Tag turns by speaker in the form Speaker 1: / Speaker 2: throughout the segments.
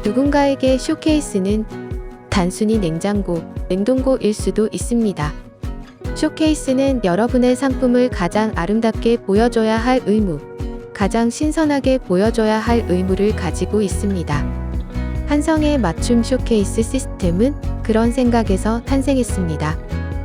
Speaker 1: 누군가에게 쇼케이스는 단순히 냉장고, 냉동고일 수도 있습니다. 쇼케이스는 여러분의 상품을 가장 아름답게 보여줘야 할 의무, 가장 신선하게 보여줘야 할 의무를 가지고 있습니다. 한성의 맞춤 쇼케이스 시스템은 그런 생각에서 탄생했습니다.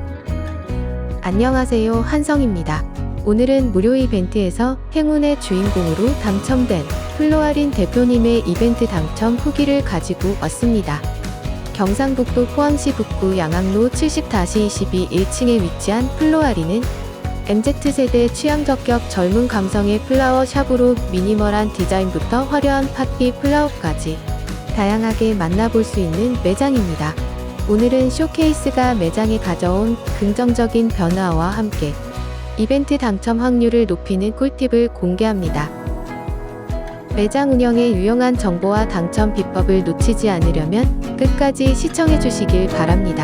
Speaker 1: 안녕하세요, 한성입니다. 오늘은 무료 이벤트에서 행운의 주인공으로 당첨된 플로아린 대표님의 이벤트 당첨 후기를 가지고 왔습니다. 경상북도 포항시 북구 양학로 70-22 1층에 위치한 플로아린은 MZ세대 취향 저격 젊은 감성의 플라워 샵으로 미니멀한 디자인부터 화려한 파티 플라워까지 다양하게 만나볼 수 있는 매장입니다. 오늘은 쇼케이스가 매장에 가져온 긍정적인 변화와 함께 이벤트 당첨 확률을 높이는 꿀팁을 공개합니다. 매장 운영에 유용한 정보와 당첨 비법을 놓치지 않으려면 끝까지 시청해 주시길 바랍니다.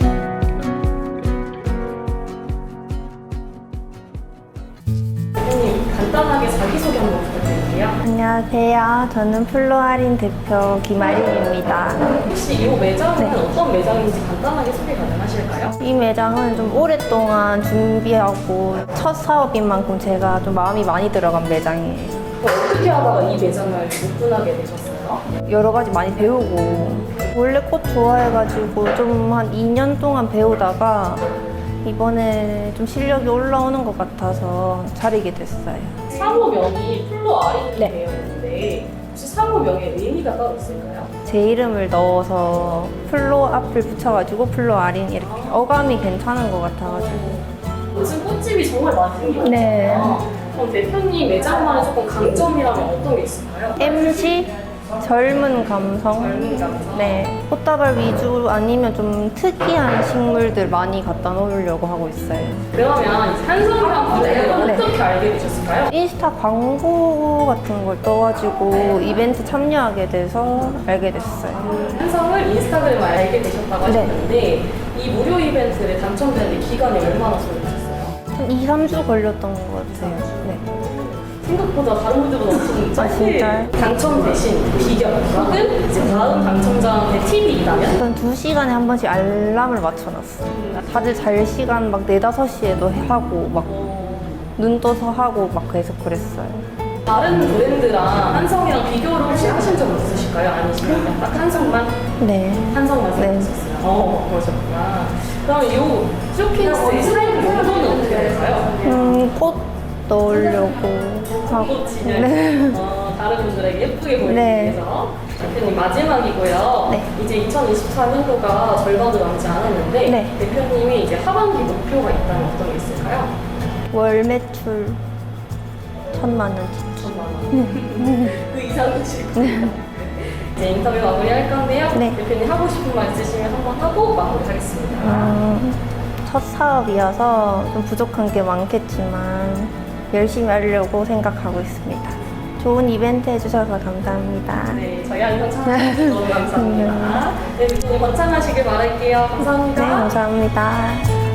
Speaker 2: 대표님, 간단하게 자기소개 한번 부탁드릴게요.
Speaker 3: 안녕하세요. 저는 플로아린 대표 김아린입니다.
Speaker 2: 혹시 이 매장은 어떤 매장인지 간단하게 소개 가능하실까요?
Speaker 3: 이 매장은 좀 오랫동안 준비하고 첫 사업인 만큼 제가 좀 마음이 많이 들어간 매장이에요.
Speaker 2: 어떻게 하다가 이 매장을 오픈하게 되셨어요?
Speaker 3: 여러 가지 많이 배우고 원래 꽃 좋아해가지고 좀 한 2년 동안 배우다가 이번에 좀 실력이 올라오는 것 같아서 차리게 됐어요.
Speaker 2: 사무명이 플로아린이
Speaker 3: 네.
Speaker 2: 되어 있는데 혹시 사무명에 의미가 따로 있을까요?
Speaker 3: 제 이름을 넣어서 플로 앞을 붙여가지고 플로아린 이렇게 어감이 괜찮은 것 같아가지고.
Speaker 2: 요즘 꽃집이 정말 많이 생겼잖아요.
Speaker 3: 네.
Speaker 2: 그럼 대표님 매장만의 조금 강점이라면 어떤 게 있을까요?
Speaker 3: MG 젊은 감성.
Speaker 2: 젊은 감성.
Speaker 3: 네. 꽃다발 위주 아니면 좀 특이한 식물들 많이 갖다 놓으려고 하고 있어요.
Speaker 2: 그러면 한성이랑 분을
Speaker 3: 네.
Speaker 2: 어떻게 알게 되셨을까요?
Speaker 3: 인스타 광고 같은 걸 떠가지고 이벤트 참여하게 돼서 알게 됐어요.
Speaker 2: 한성을 인스타그램을 알게 되셨다고
Speaker 3: 네.
Speaker 2: 하셨는데 이 무료 이벤트를 당첨되는 기간이 얼마나 소요되셨어요?
Speaker 3: 한 2, 3주 걸렸던 것 같아요. 네.
Speaker 2: 생각보다 다른 분들보다 엄청 짧게
Speaker 3: 진짜요?
Speaker 2: 당첨되신 비결 혹은 이제 다음 당첨자한테 팁이 있다면?
Speaker 3: 일단 2시간에 한 번씩 알람을 맞춰놨어요. 다들 잘 시간 막 4, 5시에도 하고 막 눈 떠서 하고 막 계속 그랬어요.
Speaker 2: 다른 브랜드랑 한성이랑 비교를 혹시 하신 적 있으실까요? 아니시면 딱 한성만?
Speaker 3: 네.
Speaker 2: 한성만
Speaker 3: 네.
Speaker 2: 생각하셨어요? 그러셨구나. 그럼 이 쇼케이스의 사용 용도는 어떻게 될까요?
Speaker 3: 꽃 넣으려고 하고.
Speaker 2: 꽃 진열.
Speaker 3: 네.
Speaker 2: 다른 분들에게 예쁘게 보이기
Speaker 3: 네.
Speaker 2: 위해서. 대표님 마지막이고요.
Speaker 3: 네.
Speaker 2: 이제 2024년도가 절반도 남지 않았는데
Speaker 3: 네.
Speaker 2: 대표님이 이제 하반기 목표가 있다면 어떤 게 있을까요?
Speaker 3: 월 매출 1,000만 원.
Speaker 2: 1,000만 원. 그 이상은 싫고. 이제 인터뷰 마무리할 건데요.
Speaker 3: 네.
Speaker 2: 대표님 하고 싶은 말 있으시면 한번 하고 마무리하겠습니다.
Speaker 3: 첫 사업이어서 좀 부족한 게 많겠지만 열심히 하려고 생각하고 있습니다. 좋은 이벤트 해주셔서 감사합니다.
Speaker 2: 네, 저희 한번 참여해주셔서 너무 감사합니다. 네, 대표님 번창하시길 바랄게요. 감사합니다.
Speaker 3: 네, 감사합니다.